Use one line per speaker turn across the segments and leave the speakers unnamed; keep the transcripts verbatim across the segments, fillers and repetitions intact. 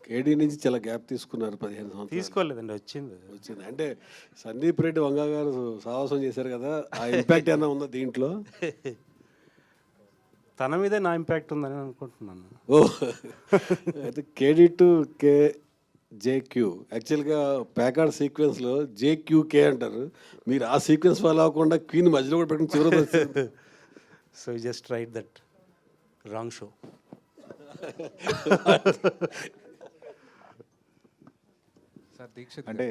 కేడీ నుంచి చాలా గ్యాప్ తీసుకున్నారు పదిహేను సంవత్సరాలు.
తీసుకోలేదండి, వచ్చింది.
వచ్చింది అంటే సందీప్ రెడ్డి వంగ గారు సాహసం చేశారు కదా, ఆ ఇంపాక్ట్ ఏమైనా ఉందా దీంట్లో?
తన మీదే నా ఇంపాక్ట్ ఉందని అనుకుంటున్నాను.
ఓ అయితే కేడీ టు కే జేక్యూ యాక్చువల్గా ప్యాకార్డ్ సీక్వెన్స్లో జేక్యూకే అంటారు, మీరు ఆ సీక్వెన్స్ ఫాలో అవ్వకుండా క్వీన్ మధ్యలో కూడా పెట్టిన చివరి వచ్చింది.
So just right that wrong show.
Sir Dixit అంటే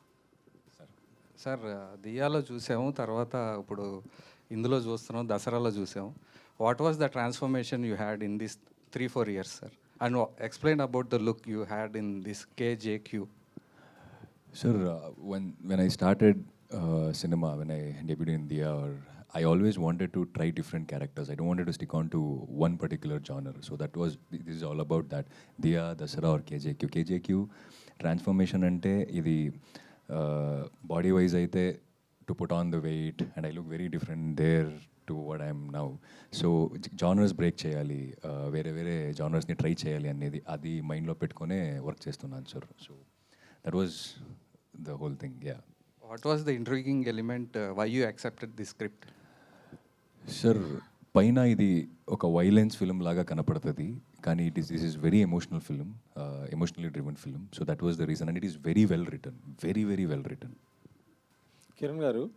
సార్ దియాలో చూసాము, తర్వాత ఇప్పుడు ఇందులో చూస్తున్నాం, దసరాలో చూసాము. What was the transformation you had in this three four years sir? And explain about the look you had in this KJQ.
Sir, uh, when when I started uh, cinema, when I debuted in Diya, or I always wanted to try different characters. I don't wanted to stick on to one particular genre. So that was, this is all about that. Diya, Dasara or K J Q. K J Q transformation ante idi uh, body wise aithe to put on the weight, and I look very different there to what I am now. So genres break cheyali, uh, vere vere genres ni try cheyali annedi adi mind lo petkone work chestunnanu sir. So that was the whole thing, yeah.
What was the intriguing element, uh, why you accepted this script?
Sir, పైన ఇది ఒక violence film లాగా కనపడుతుంది, కానీ it is this is very emotional film, emotionally driven film. So that was the reason, and it is very well return, very very well return.
Kiran గారు,